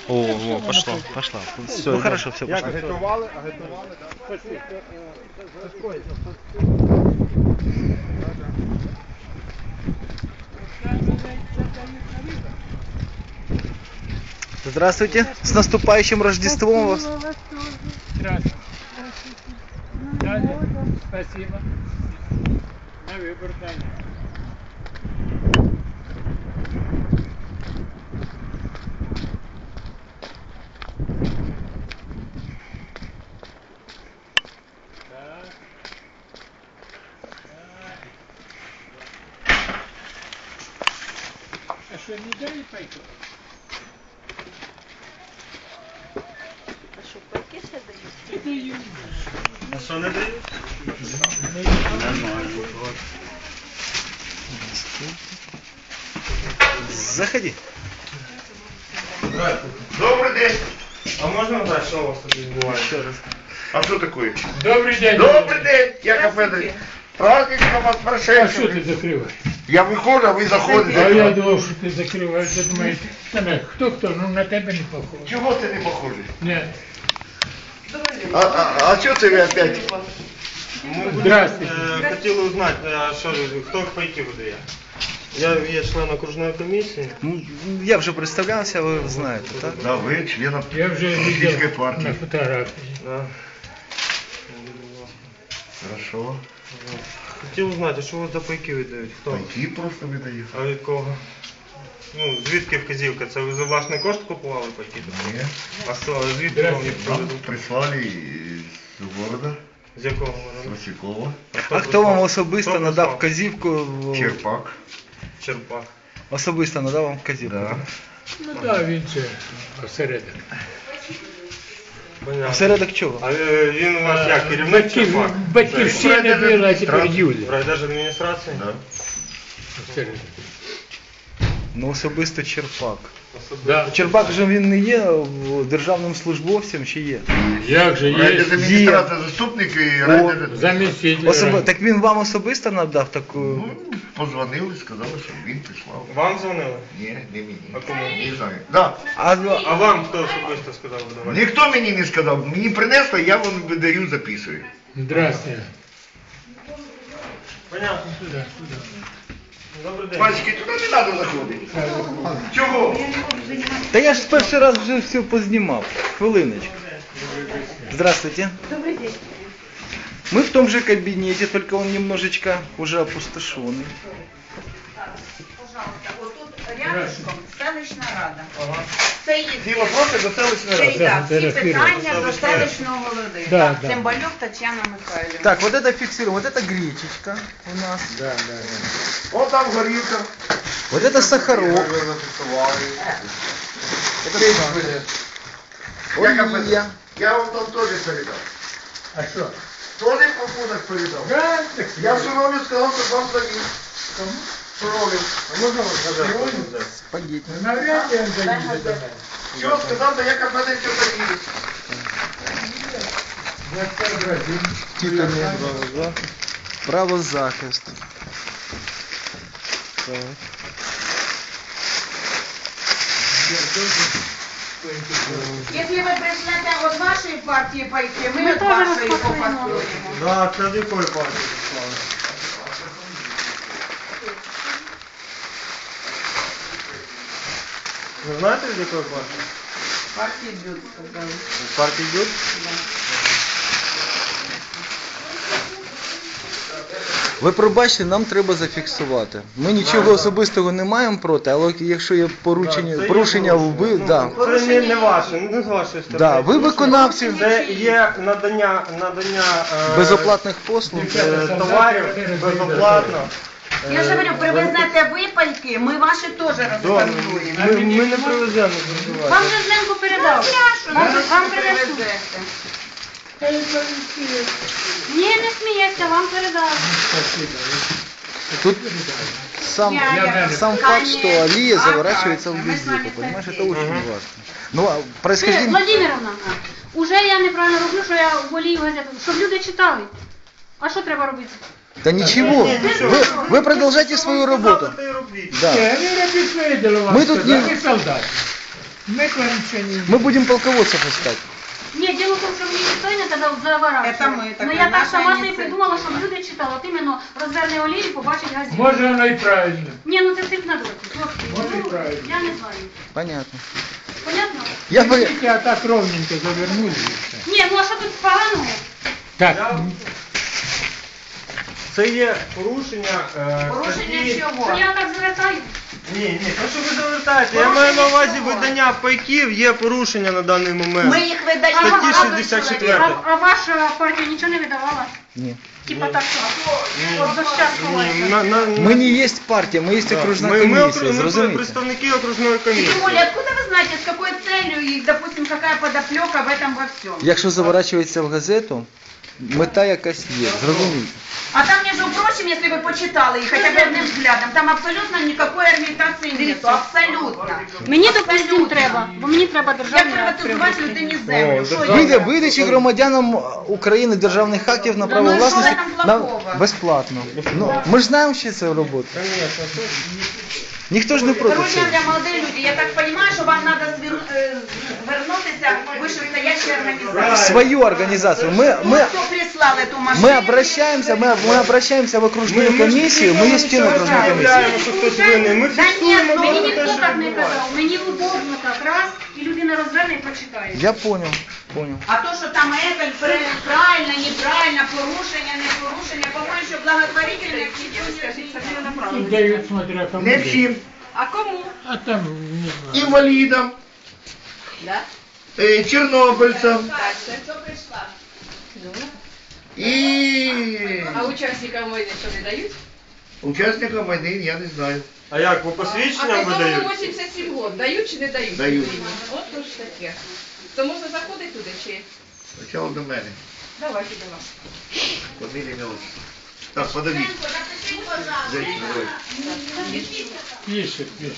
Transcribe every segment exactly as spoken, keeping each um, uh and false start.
О, о, пошло, пошла. Все, ну хорошо, все, пошло. Агітували, агітували, так. Здравствуйте, с наступающим Рождеством вас. Здравствуйте. Далее. Спасибо. На выбор, Таня. А что, не дали пайку? А що, пайки ще дають? Даю. А что не дают? Заходи. Добрий день. А можна знати, що у вас тут відбувається? Еще раз. А що таке? Добрый день. Добрий день, Яков Федорович. Праздничком вас А что прошедшим. ты закрываешь? Я виходжу, а ви А заходите. я думал, что ты закрываешь. Ты думаешь, Таня, кто-кто, ну на тебя не похож. Чого ти не похожий? Нет. А, а, а чого це ви опять? Здравствуйте. Е, Хотіли узнати, а що, хто пайки видає? Я є член окружної комісії. Ну, я вже представлявся, ви знаєте, так? Да, ви член Я уже Российской видел партии. на фотографии. Да. Хорошо. Хотів узнати, що у вас за пайки видають? Хто? Пайки просто видаю. А від кого? Ну, звідки вказівка? Це ви за власний кошт купували пайки? Ні. А що, звідки вам їх Нам привезуть? прислали з города, З якого з городу? Василькова, А хто вам прислав? особисто Хто надав прислав? вказівку? в- Черпак. Черпак. Особисто надав вам вказівку? Да. Ну да, він це осередок. Понятно. Осередок чого? А е, він у вас як, керівник Батьків, Черпак? батьківщина була, а тепер Юля. Райдержадміністрації? Да. Осередок. Ну особисто Черпак. Да. Черпак же він не є в- державним службовцем чи є? Як же є Райдержадміністрація заступник і райдержадміністрація. заміститель. Особи... Так він вам особисто надав таку. Ну, позвонили, сказали, що він прислав. Вам дзвонили? Ні, не мені. А кому? Не знаю. Да. А, А вам хто особисто сказав видавати? Ніхто мені не сказав. Мені принесли, я вам видаю, записую. Здравствуйте. Понятно. Сюда, сюда. Добрий день. Мальчики, туди не треба заходити. Чого? Та я ж перший раз вже все познімав. Хвилиночку. Здравствуйте. Добрий день. Мы в том же кабинете, только он немножечко уже опустошенный. Пожалуйста, отут рядышком селищна рада. Це їх. Ці вопроси до селищної Це ради. і так, всі фотографировать. питання до селищного голови. Да, Так, да. Цимбалюк Тетяна Михайлівна. Так, вот это фиксируем. Вот это гречечка у нас. Да, да. О, там горілка. Вот это сахарок. Это Яков олія. Я вам там теж передав. А що? Теж пакунок передав. Да, так Я Суровлю сказав, що вам завіз. Кому? Суровлю. А можна вас задати? Спагетти. Навряд ли він заїде до мене. Що сказав, то Яков Федорович завіз. Я сообразил. Право захисту. Так. Якщо ви прийшлете від вашої партії пайки, ми від вашої попасуємо. Да, це з якої партії прислали? Ви знаєте, з якої партії? Партії б'ють, сказали. З партії Дюд? Ви пробачте, нам треба зафіксувати. Ми нічого особистого не маємо проти, але якщо є порушення, порушення вбив, да. Це не, не ваше, не з вашої сторони. Да, ви виконавці Це є надання, надання е, безоплатних послуг. е, товарів безоплатно. Я ж говорю, привезете ви пайки, ми ваші теж Да, розпакуємо. ми, ми не привеземо, не Вам переживайте. же Зленко передав. Вам, вам принесуть. Ні, не сміється, вам передав. Тут сам, Я- сам я- факт, что алия А, заворачивается в правильно, мы с вами газету, понимаешь, это согласны. очень важно. Ну, а Це, происхождение... Владимировна, уже я неправильно роблю, що я волію газету, щоб люди читали. А що треба робити? Да ничего, вы, вы продолжайте свою работу. Та й робіть. Да. Не, они робить свои дела, вам Мы тут сказали, не- вы солдат. Мы к вам ничего не Мы будем полководцев искать. Нет, дело в том, что мне ніхто не казав заворачувати. Это мы, Ну така я так наша сама собі ініціатива. придумала, щоб люди читали. От іменно розверне олії побачить газету. Може воно і правильно. Ні, ну це цирк на дорозі. Хлопці, Може, ну, і правильно. я не знаю. Понятно. Понятно? Я би... Тільки а так ровненько завернули і все. Ні, ну а що тут поганого? Так, Це є порушення е, Порушення статті- Що чого? я так звертаю? Ні, ні, то що ви завертаєте. Я маю на увазі чого? видання пайків, є порушення на даний момент. Ми їх видаємо. Статті багато шістдесят чоловік. четыре. А, а ваша партія нічого не видавала? Ні. Типа так, що от за щас Ні, ховається. на, на, Ми не є партія, ми є Да. окружна Ми- ми комісія, окру- ми зрозумієте? представники окружної комісії. Тем более, откуда вы знаете, с какой целью и, допустим, какая подоплека в этом во всем? Якщо заворачується в газету, мета якась є, зрозумієте? А там, между прочим, если вы почитали их хотя бы одним взглядом, там абсолютно никакой аргументации нету, абсолютно. Мені, допустим, треба, бо мені треба Як державний приватизувати людині землю? О, Що державний. Вида, є? видачі громадянам України державних актів на право ну і що власності там на плохого? безплатно. Ну, ми ж знаємо, що це робота. Конечно, то- Ніхто ж не проти Друзья, цього. для молодые люди, я так понимаю, что вам надо звер- э, вернуться в вышестоящие организации. Свою організацію. Ми, Ну, ми, кто прислал эту машину? ми обращаємося, ми, ми обращаємося в окружну Ми- ми ж комісію, ми є стіну окружної не комісії. заявляємо, що хтось винен. Ми Да ні, фіксуємо ну, Мені те, ніхто що так не відбувається. казав, мені удобно так раз, і людина розверне і почитає. Я понял, понял. А то, що там это пр- правильно, неправильно, порушення, не порушення, по-моєму, що благотворительне тут дають, смотря кому. Не дають. всім. А кому? А там, не знаю. Інвалідам, Да? е, чорнобильцям Хто прийшла? і А учасникам війни що не дають? учасникам війни, я не знаю. А як, по А посвідченням кому видають? вісімдесят сім років дають чи не дають? Дають. Україні? От то ж таке. То можна заходити туди чи? Спочатку до мене. Давайте до вас. Фамілія ім'я, отчество. Так, подивіть. Запишіть, пожалуйста. Зайдіть, давай. Пише, пише.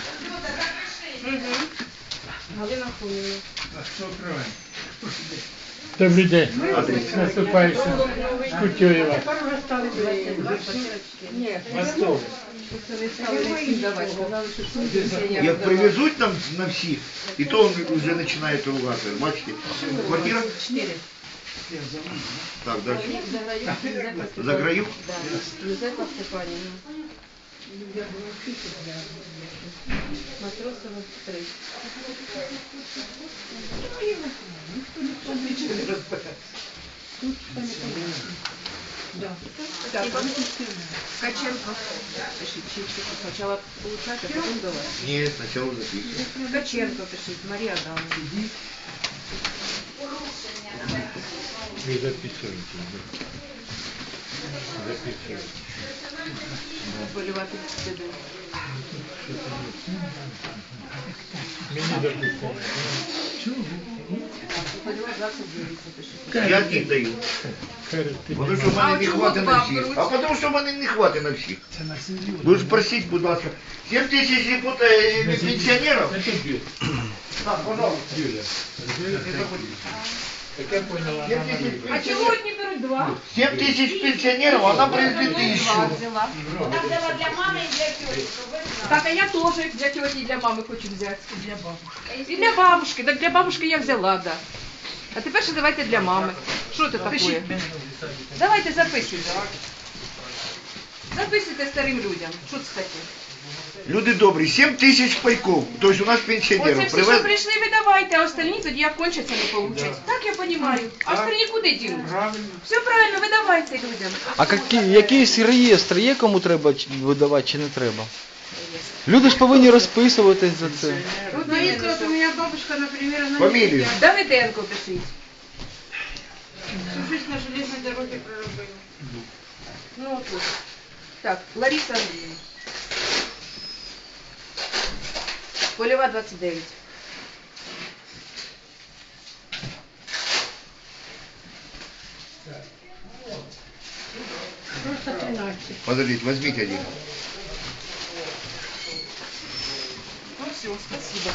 Галина Хуніна. А хто кроме? Добрий день. Наступаючим. Кутює вас. Ні, Восток. це не стали не всім давати. Сказали, що всім пенсіонерам Як давати. привезуть нам на всіх, і то вже починають ругати. Бачите? Квартира? Чотири. Так, далі. Заграю. Заграю? Да. Юзефа Степанівна. Матросова три. Так, Ткаченко. Пишіть, чи чи спочатку получати, а потім давати. Ні, спочатку записуємо. Ткаченко пишіть, Марія Адамовна. Ви записуєте. Записуєте. Полювати сюди. Мені допустимо. Полювати двадцять дев'ять запишіть. Я їх даю. Тому що в мене не хватить на всіх. А тому що в мене не хватить на всіх. Ви ж просіть, будь ласка. сім тисяч депутат- е, пенсіонерів? Це тобі. Так, пожалуйста. Юля. Так я поняла, сім вона тисяч А чого пенсіонерів. одні беруть два? сім тисяч пенсіонерів, вона привезли тисячу. Вона взяла для мами і для тьоті, щоб ви знали. Так, а я теж для тьоті і для мами хочу взяти. І для бабушки. І для бабушки. Так для бабушки я взяла, да. А тепер ще давайте для мами. Що це таке? Давайте записуйте. Записуйте старим людям. Що це таке? Люди добрі, сім тисяч пайков. Тобто у нас Оце пенсіонерів. всі, Привез... що прийшли, ви давайте, а остальні тоді як кончаться, не получать. Так я розумію. А остальні куди дінуть? Все правильно, ви давайте людям. А які, якийсь реєстр є, кому треба чи- видавати чи не треба? Люди ж повинні розписуватись за це. Ну, якщо от у мене бабушка, наприклад, она Фамілію. Давиденко пишіть. Жизнь на железній дорозі проробила. Ну, от тут. Так, Лариса Андріївна. Польова двадцять дев'ять. Подождите, возьмите один. Ну все, спасибо.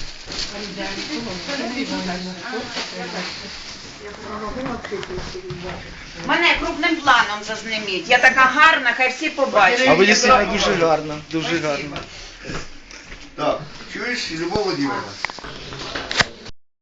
Мене крупним планом зазніміть. Я така гарна, хай всі побачать. А ви дійсно дуже гарно, дуже гарно. Так, Чуєш, Любов Владимировна?